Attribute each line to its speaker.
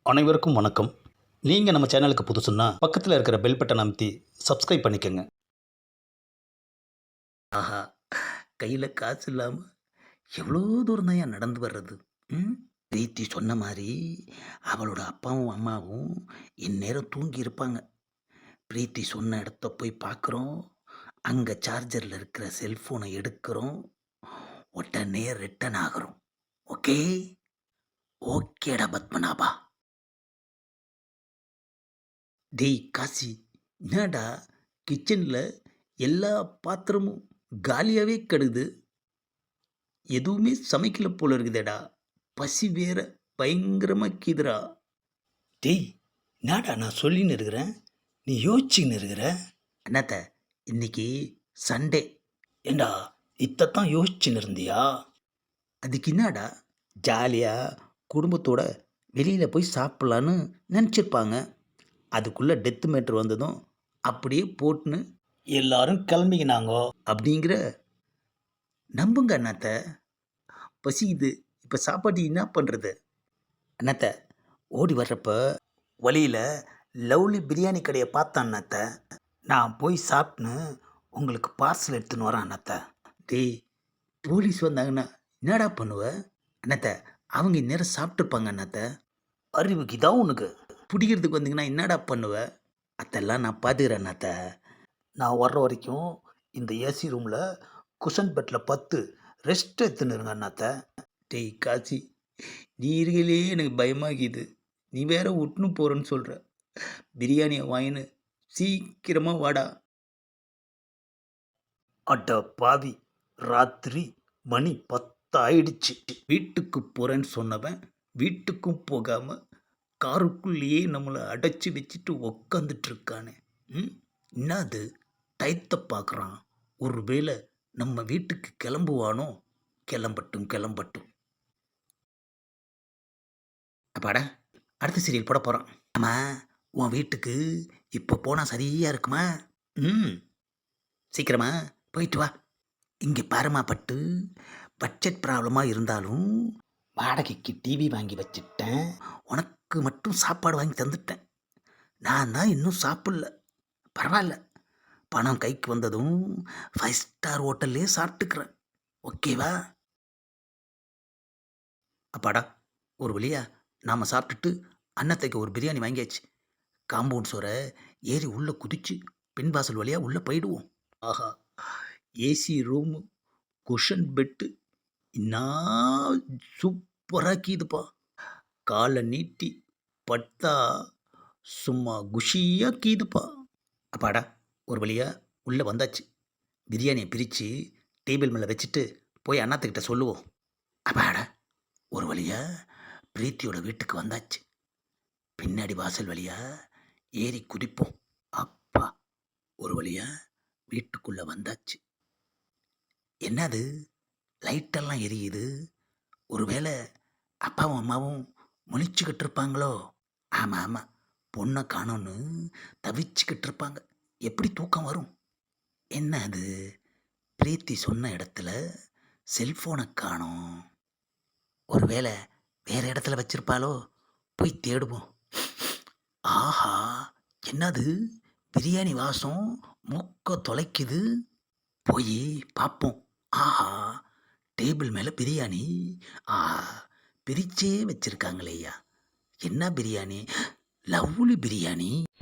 Speaker 1: அனைவருக்கும் வணக்கம். நீங்கள் நம்ம சேனலுக்கு புதுசுன்னா பக்கத்தில் இருக்கிற பெல் பட்டனை அமைத்தி சப்ஸ்கிரைப் பண்ணிக்கோங்க. ஆஹா, கையில் காசு இல்லாமல் எவ்வளோ தூரம் தான் ஏன் நடந்து வர்றது? பிரீத்தி சொன்ன மாதிரி அவளோட அப்பாவும் அம்மாவும் இந்நேரம் தூங்கி இருப்பாங்க. பிரீத்தி சொன்ன இடத்த போய் பார்க்குறோம். அங்கே சார்ஜரில் இருக்கிற செல்ஃபோனை எடுக்கிறோம். உடனே ரிட்டன் ஆகிறோம். ஓகே ஓகேடா பத்மநாபா. டேய் காசி, என்னடா கிச்சனில் எல்லா பாத்திரமும் காலியாகவே கிடக்குது. எதுவுமே சமைக்கல போல இருக்குதேடா. பசி வேற பயங்கரமாக கீதுடா. டேய், என்னடா நான் சொல்லின்னு இருக்கிறேன், நீ யோசிச்சுன்னு இருக்கிற. என்னத்த, இன்னைக்கு சண்டே. ஏண்டா இத்தான் யோசிச்சுன்னு இருந்தியா? அதுக்கு என்னடா, ஜாலியாக குடும்பத்தோட வெளியில் போய் சாப்பிட்லான்னு நினச்சிருப்பாங்க. அதுக்குள்ளே டெத்து மேட்ரு வந்ததும் அப்படியே போட்டுன்னு எல்லாரும் கிளம்பிக்கினாங்கோ அப்படிங்கிற. நம்புங்க அண்ணாத்த, பசிக்குது, இப்போ சாப்பாட்டு என்ன பண்ணுறது? அண்ணாத்த, ஓடி வர்றப்ப வழியில் லவ்லி பிரியாணி கடையை பார்த்தேன் அண்ணாத்த. நான் போய் சாப்பிட்னு உங்களுக்கு பார்சல் எடுத்துன்னு வரேன் அண்ணாத்த. டேய், போலீஸ் வந்தாங்கன்னா என்னடா பண்ணுவ? அண்ணாத்த, அவங்க இந்நேரம் சாப்பிட்ருப்பாங்க அண்ணாத்த. அறிவுக்கு இதான் உனக்கு. பிடிக்கிறதுக்கு வந்தீங்கன்னா என்னடா பண்ணுவ? அதெல்லாம் நான் பார்த்துக்கிறேன் அண்ணாத்த. நான் வர்ற வரைக்கும் இந்த ஏசி ரூமில் குஷன் பெட்டில் பத்து ரெஸ்ட் எடுத்துன்னு இருங்க அண்ணாத்த. டேய் காசி, நீ இருக்கையிலே எனக்கு பயமாகிது. நீ வேற விட்டுன்னு போகிறேன்னு சொல்கிற. பிரியாணியை வாங்கின்னு சீக்கிரமாக வாடா. அட பாவி, ராத்திரி மணி 10 ஆயிடுச்சு. வீட்டுக்கு போகிறேன்னு சொன்னவன் வீட்டுக்கும் போகாமல் காருக்குள்ளேயே நம்மளை அடைச்சி வச்சுட்டு உக்காந்துட்டு இருக்கானே. என்னது டயத்தை பார்க்குறான்? ஒருவேளை நம்ம வீட்டுக்கு கிளம்புவானோ? கிளம்பட்டும் கிளம்பட்டும். அப்பாடா, அடுத்த சீரியல் போட போகிறான். ஆமாம், உன் வீட்டுக்கு இப்போ போனால் சரியாக இருக்குமா? சீக்கிரமா போயிட்டு வா. இங்கே பாருமா பட்டு, பட்ஜெட் ப்ராப்ளமாக இருந்தாலும் வாடகைக்கு டிவி வாங்கி வச்சுட்டேன். உனக்கு மட்டும் சாப்பாடு வாங்கி தந்துட்டேன். நான் தான் இன்னும் சாப்பிடல. பரவாயில்ல, பணம் கைக்கு வந்ததும் 5 ஸ்டார் ஹோட்டல்லே சாப்பிட்டுக்கிறேன். ஓகேவா? அப்பாடா, ஒரு வழியா நாம் சாப்பிட்டுட்டு அன்னத்தைக்கு ஒரு பிரியாணி வாங்கியாச்சு. காம்பவுண்ட் சோரை ஏறி உள்ளே குதிச்சு பின்வாசல் வழியாக உள்ளே போயிடுவோம். ஆஹா, ஏசி ரூமு, குஷன் பெட்டு இன்னும் சூப்பராக கீதுப்பா. காலை நீட்டி பட்டா சும்மா குஷியாக கீதுப்பா. அப்பாடா, ஒரு வழியாக உள்ளே வந்தாச்சு. பிரியாணியை பிரித்து டேபிள் மேலே வச்சுட்டு போய் அண்ணாத்துக்கிட்ட சொல்லுவோம். அப்பாடா, ஒரு வழியாக பிரீத்தியோட வீட்டுக்கு வந்தாச்சு. பின்னாடி வாசல் வழியாக ஏறி குதிப்போம். அப்பா, ஒரு வழியாக வீட்டுக்குள்ளே வந்தாச்சு. என்னது லைட்டெல்லாம் எரியுது? ஒருவேளை அப்பாவும் அம்மாவும் முழிச்சுக்கிட்டு இருப்பாங்களோ? ஆமாம் ஆமாம், பொண்ணை காணோன்னு தவிச்சுக்கிட்டு இருப்பாங்க. எப்படி தூக்கம் வரும்? என்ன அது, பிரீத்தி சொன்ன இடத்துல செல்ஃபோனை காணோம். ஒருவேளை வேறு இடத்துல வச்சிருப்பாளோ? போய் தேடுவோம். ஆஹா, என்னது பிரியாணி வாசம் மூக்க தொலைக்குது. போய் பார்ப்போம். ஆஹா, டேபிள் மேலே பிரியாணி. பிரிச்சே வச்சிருக்காங்களேயா. என்ன பிரியாணி? லவ்லி பிரியாணி.